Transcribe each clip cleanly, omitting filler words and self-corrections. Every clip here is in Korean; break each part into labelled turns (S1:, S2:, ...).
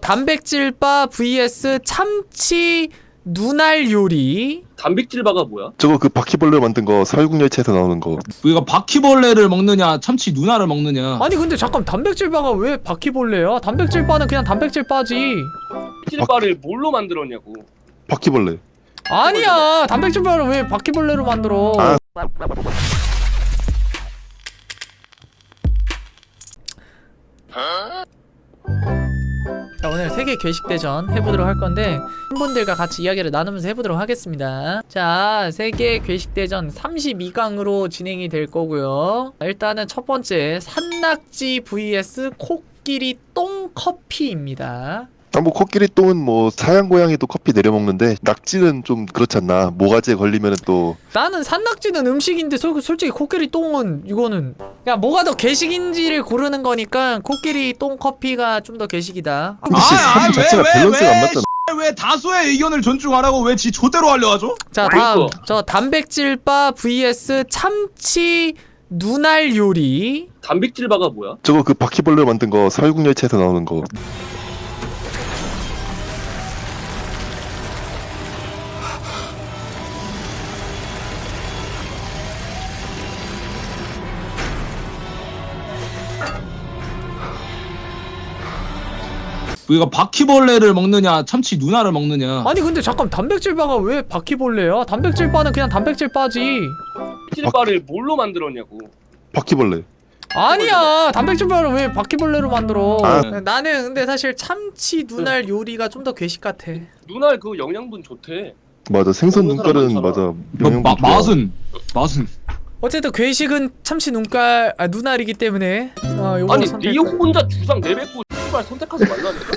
S1: 단백질바 vs 참치 눈알 요리.
S2: 단백질바가 뭐야?
S3: 저거 그 바퀴벌레 만든 거 사회국열차에서 나오는 거.
S4: 우리가 바퀴벌레를 먹느냐 참치 누나를 먹느냐.
S1: 아니 근데 잠깐 단백질바가 왜 바퀴벌레야? 단백질바는 그냥 단백질바지.
S2: 단백질바를 뭘로 만들었냐고.
S3: 바퀴벌레.
S1: 아니야 단백질바를 왜 바퀴벌레로 만들어?
S3: 아.
S1: 자, 오늘 세계 괴식대전 해보도록 할 건데 팬분들과 같이 이야기를 나누면서 해보도록 하겠습니다. 자, 세계 괴식대전 32강으로 진행이 될 거고요. 일단은 첫 번째 산낙지 vs 코끼리 똥 커피입니다.
S3: 뭐 코끼리 똥은 뭐 사양 고양이도 커피 내려 먹는데 낙지는 좀 그렇지 않나? 모가지에 걸리면은 또.
S1: 나는 산낙지는 음식인데 솔직히 코끼리 똥은 이거는 그냥 뭐가 더 괴식인지를 고르는 거니까 코끼리 똥 커피가 좀 더 괴식이다.
S3: 근데 산 자체가 밸런스가 안 맞잖아.
S4: 왜 다수의 의견을 존중하라고 왜 지 조대로 하려 하죠?
S1: 자, 다음 저 단백질바 vs 참치 눈알 요리.
S2: 단백질바가 뭐야?
S3: 저거 그 바퀴벌레 만든 거 사회국열차에서 나오는 거.
S4: 우리가 바퀴벌레를 먹느냐 참치 누나를 먹느냐.
S1: 아니 근데 잠깐 단백질바가 왜 바퀴벌레야? 단백질바는 그냥 단백질바지.
S2: 단백질바를 뭘로 만들었냐고.
S3: 바퀴벌레.
S1: 아니야 단백질바를 왜 바퀴벌레로 만들어?
S3: 아.
S1: 나는 근데 사실 참치 눈알 요리가 좀 더 괴식 같아.
S2: 눈알 그 영양분 좋대.
S3: 맞아. 생선
S2: 먹는 사람
S3: 눈깔은
S2: 많잖아.
S3: 맞아. 영양분 좋아.
S4: 맛은
S1: 어쨌든 괴식은 참치 눈알이기 때문에 요거
S2: 아니
S1: 선택.
S2: 네 혼자 주상 내뱉고 씨발 선택하지 말라니까.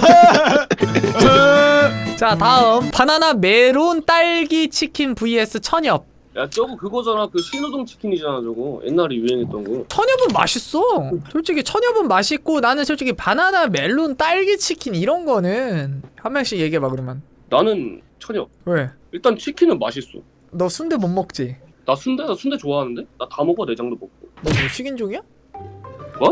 S1: 자 다음 바나나 메론 딸기 치킨 vs 천엽.
S2: 야 저거 그거잖아. 그 신호등 치킨이잖아 저거. 옛날에 유행했던 거.
S1: 천엽은 맛있어. 솔직히 천엽은 맛있고 나는 솔직히 바나나 멜론 딸기 치킨 이런 거는 한 명씩 얘기해봐 그러면.
S2: 나는 천엽.
S1: 왜?
S2: 일단 치킨은 맛있어.
S1: 너 순대 못 먹지?
S2: 나 순대 좋아하는데? 나 다 먹어. 내장도 먹고.
S1: 너 뭐 식인종이야?
S2: 뭐?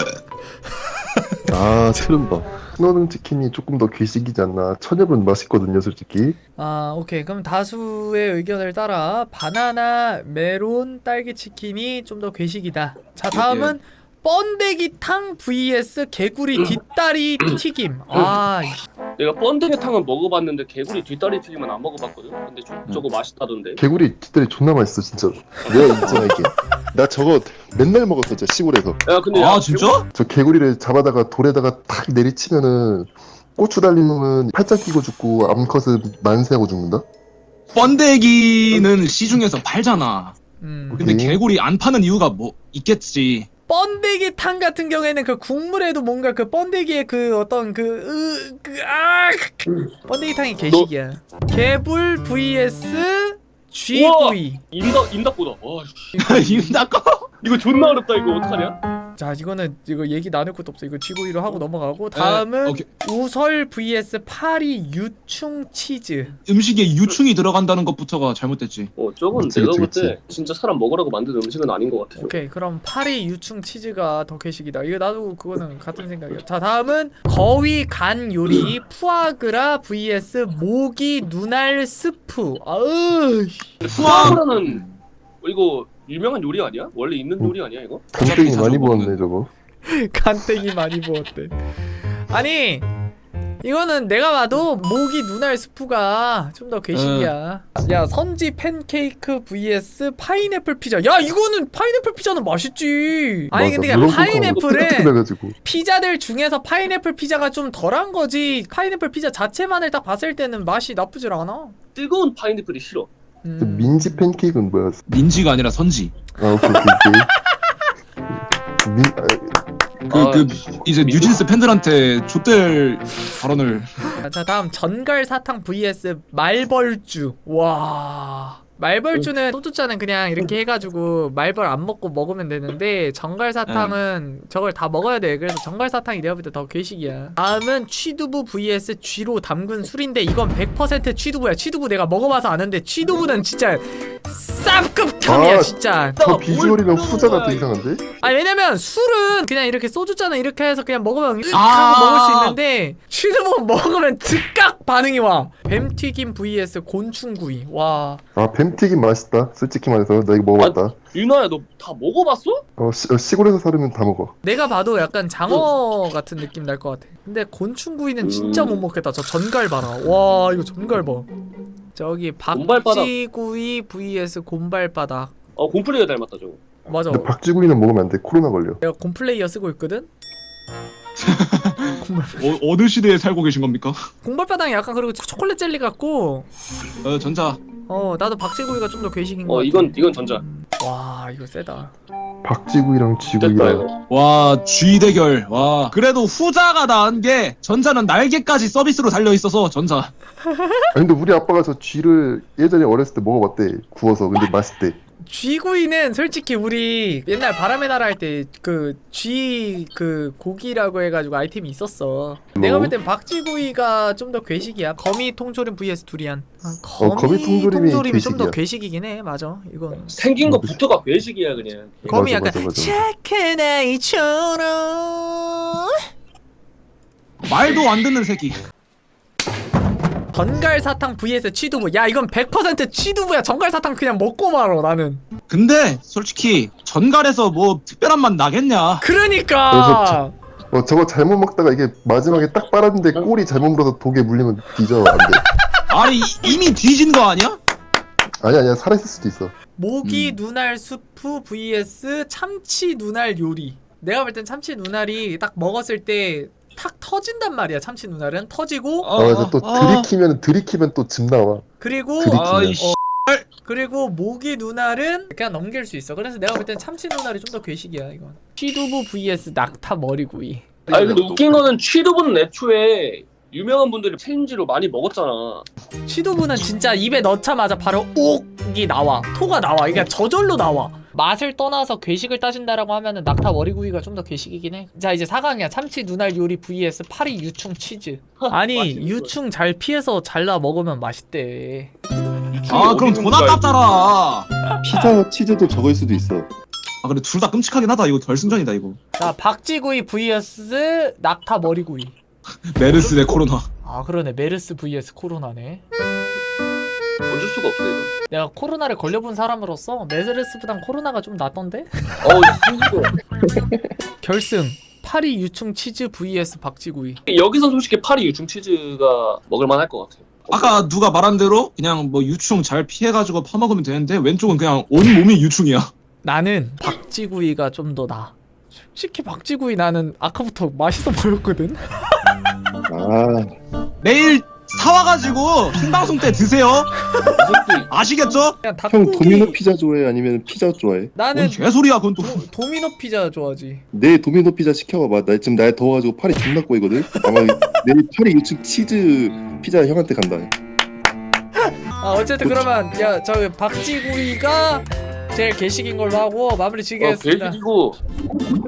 S3: 아, 세른다. 신호등 치킨이 조금 더 괴식이지 않나. 천엽은 맛있거든요, 솔직히.
S1: 아 오케이 그럼 다수의 의견을 따라 바나나 메론 딸기 치킨이 좀 더 괴식이다. 자 다음은 번데기탕 vs 개구리 뒷다리 튀김.
S2: 내가 번데기탕은 먹어봤는데 개구리 뒷다리 튀김은 안 먹어봤거든. 근데 저거 맛있다던데.
S3: 개구리 뒷다리 존나 맛있어, 진짜로. 내가 있잖아, 이게. 나 저거 맨날 먹었어, 진짜, 시골에서.
S2: 야 근데
S4: 아 진짜?
S3: 저 개구리를 잡아다가 돌에다가 탁 내리치면은 고추 달리면은 팔짱 끼고 죽고 암컷은 만세하고 죽는다?
S4: 번데기는 시중에서 팔잖아. 근데
S3: 음.
S4: 개구리 안 파는 이유가 뭐 있겠지.
S1: 번데기탕 같은 경우에는 그 국물에도 뭔가 그 번데기의 그 어떤 번데기탕이 개식이야. 개불 vs 쥐구이.
S2: 임닭보다. 와 씨.
S4: 임닭거?
S2: 이거 존나 어렵다. 이거 어떡하냐?
S1: 자 이거는 이거 얘기 나눌 것도 없어. 이거 쥐구이로 하고 넘어가고 다음은
S4: 오케이.
S1: 우설 vs 파리 유충 치즈.
S4: 음식에 유충이 들어간다는 것부터가 잘못됐지.
S2: 저건
S3: 그치,
S2: 내가
S3: 그치,
S2: 볼 때
S3: 그치.
S2: 진짜 사람 먹으라고 만든 음식은 아닌 것 같아. 저거.
S1: 오케이 그럼 파리 유충 치즈가 더 괴식이다. 이거 나도 그거는 같은 생각이야. 자 다음은 거위 간 요리 푸아그라 vs 모기 눈알 스프.
S2: 푸아그라는 이거 유명한 요리 아니야? 원래 있는 요리 아니야 이거?
S3: 간땡이
S4: 자주
S3: 많이
S4: 먹는.
S3: 부었네, 저거.
S1: 간땡이 많이 부었대. 아니 이거는 내가 봐도 모기 눈알 스프가 좀 더 괴식이야. 야 선지 팬케이크 vs 파인애플 피자. 야 이거는 파인애플 피자는 맛있지. 아니
S3: 맞아,
S1: 근데
S3: 물렁국하고
S1: 파인애플은
S3: 푸석푸석해가지고.
S1: 피자들 중에서 파인애플 피자가 좀 덜한 거지. 파인애플 피자 자체만을 딱 봤을 때는 맛이 나쁘질 않아.
S2: 뜨거운 파인애플이 싫어.
S3: 민지 팬케이크는 뭐야?
S4: 민지가 아니라 선지.
S3: 아, 오케이.
S4: 이제 뉴진스 팬들한테 좆될 발언을.
S1: 자 다음 전갈 사탕 vs 말벌주. 와 말벌주는 소주잔은 그냥 이렇게 해가지고 말벌 안 먹고 먹으면 되는데 전갈 사탕은 저걸 다 먹어야 돼. 그래서 전갈 사탕이 내가 볼 때 더 괴식이야. 다음은 취두부 vs 쥐로 담근 술인데 이건 100% 취두부야. 취두부 내가 먹어봐서 아는데 취두부는 진짜 쌉급함이야
S3: 아,
S1: 진짜.
S3: 저 비주얼이면
S2: 뭘
S3: 후자가 더
S2: 부르는
S3: 이상한데?
S1: 아니 왜냐면 술은 그냥 이렇게 소주잔에 이렇게 해서 그냥 먹으면 하고
S4: 아.
S1: 먹을 수 있는데 취두부 먹으면 즉각 반응이 와. 뱀튀김 vs 곤충구이. 와.
S3: 아 뱀튀김 맛있다. 솔직히 말해서 나 이거 먹어봤다.
S2: 유나야 너 다 먹어봤어?
S3: 시골에서 살면 다 먹어.
S1: 내가 봐도 약간 장어 같은 느낌 날 것 같아. 근데 곤충구이는 진짜 못 먹겠다. 저 전갈 봐라. 와 이거 전갈 봐. 저기
S2: 곰발바닥.
S1: 박쥐구이 vs 곰발바닥.
S2: 곰플레이어 닮았다 저거.
S1: 맞아.
S3: 근데 박쥐구이는 먹으면 안 돼. 코로나 걸려.
S1: 내가 곰플레이어 쓰고 있거든.
S4: 어느 시대에 살고 계신 겁니까?
S1: 곰발바닥이 약간 그리고 초콜릿 젤리 같고.
S4: 전자.
S1: 나도 박쥐구이가 좀 더 괴식인 것 같아.
S2: 이건 전자.
S1: 와 이거 세다.
S3: 박쥐구이랑
S2: 됐다
S3: 쥐구이랑.
S2: 이거.
S4: 와, G 대결. 와. 그래도 후자가 나은 게 전자는 날개까지 서비스로 달려 있어서 전자.
S3: 아니 근데 우리 아빠가 저 쥐를 예전에 어렸을 때 먹어봤대. 구워서. 근데 맛있대.
S1: 쥐구이는 솔직히 우리 옛날 바람의 나라 할 때 그 쥐 그 고기라고 해가지고 아이템이 있었어. 내가 볼 땐 박쥐구이가 좀 더 괴식이야. 거미 통조림 vs 두리안.
S3: 거미 통조림이
S1: 좀 더
S3: 괴식이야.
S1: 괴식이긴 해. 맞아. 이건
S2: 생긴 거부터가 외식이야 그냥.
S1: 거미
S3: 맞아,
S1: 약간
S3: 맞아, 맞아.
S1: 착한 아이처럼.
S4: 말도 안 듣는 새끼.
S1: 전갈사탕 vs 취두부. 야 이건 100% 취두부야. 전갈사탕 그냥 먹고 말어 나는.
S4: 근데 솔직히 전갈에서 뭐 특별한 맛 나겠냐?
S1: 그러니까.
S3: 저거 잘못 먹다가 이게 마지막에 딱 빨았는데 꼬리 잘못 물어서 독에 물리면 뒤져. 안 돼.
S4: 아니 이미 뒤진 거 아니야?
S3: 아니야 살아있을 수도 있어.
S1: 모기 눈알 수프 vs 참치 눈알 요리. 내가 볼 땐 참치 눈알이 딱 먹었을 때 탁 터진단 말이야. 참치 눈알은 터지고
S3: 그래서 또 들이키면 또 즙 나와.
S1: 그리고
S3: 들이키면.
S4: 아이씨.
S1: 그리고 모기 눈알은 그냥 넘길 수 있어. 그래서 내가 볼 땐 참치 눈알이 좀 더 괴식이야 이건. 취두부 vs 낙타 머리구이.
S2: 아니 근데 웃긴 거는 취두부는 애초에 유명한 분들이 챌린지로 많이 먹었잖아.
S1: 취두부는 진짜 입에 넣자마자 바로 옥이 나와. 토가 나와. 이게 저절로 나와. 맛을 떠나서 괴식을 따진다라고 하면은 낙타 머리구이가 좀 더 괴식이긴 해. 자 이제 4강이야. 참치 눈알 요리 vs 파리 유충 치즈. 아니
S2: 맛있는
S1: 유충 잘 피해서 잘라 먹으면 맛있대.
S4: 아 그럼 돈 아깝잖아.
S3: 피자 치즈도 저거일 수도 있어.
S4: 아 근데 둘 다 끔찍하긴 하다. 이거 결승전이다 이거.
S1: 자 박쥐구이 vs 낙타 머리구이.
S4: 메르스 대 코로나.
S1: 아 그러네. 메르스 vs 코로나네.
S2: 어쩔 수가 없어 이거.
S1: 내가 코로나를 걸려본 사람으로서 메르스보단 코로나가 좀 낫던데?
S2: 힘들어.
S1: 결승 파리 유충 치즈 vs 박쥐구이.
S2: 여기서 솔직히 파리 유충 치즈가 먹을만 할 것 같아.
S4: 아까 누가 말한 대로 그냥 뭐 유충 잘 피해가지고 파먹으면 되는데 왼쪽은 그냥 온 몸이 유충이야.
S1: 나는 박쥐구이가 좀 더 나아. 솔직히 박쥐구이 나는 아까부터 맛있어 보였거든?
S4: 내일 사와가지고 흰방송 때 드세요. 아시겠죠?
S1: 그냥
S3: 형
S1: 닭고기.
S3: 도미노 피자 좋아해? 아니면 피자 좋아해?
S1: 나는
S4: 뭔 개소리야 그건 또.
S1: 도미노 피자 좋아하지.
S3: 내일 도미노 피자 시켜봐봐. 나 지금 날 더워가지고 팔이 존나 꼬이거든. 아마 내일 파리 유축 치즈 피자 형한테 간다.
S1: 아 어쨌든 그러면 야 저 박쥐구이가 제일 개식인 걸로 하고 마무리 지겠습니다.
S2: 괴식이고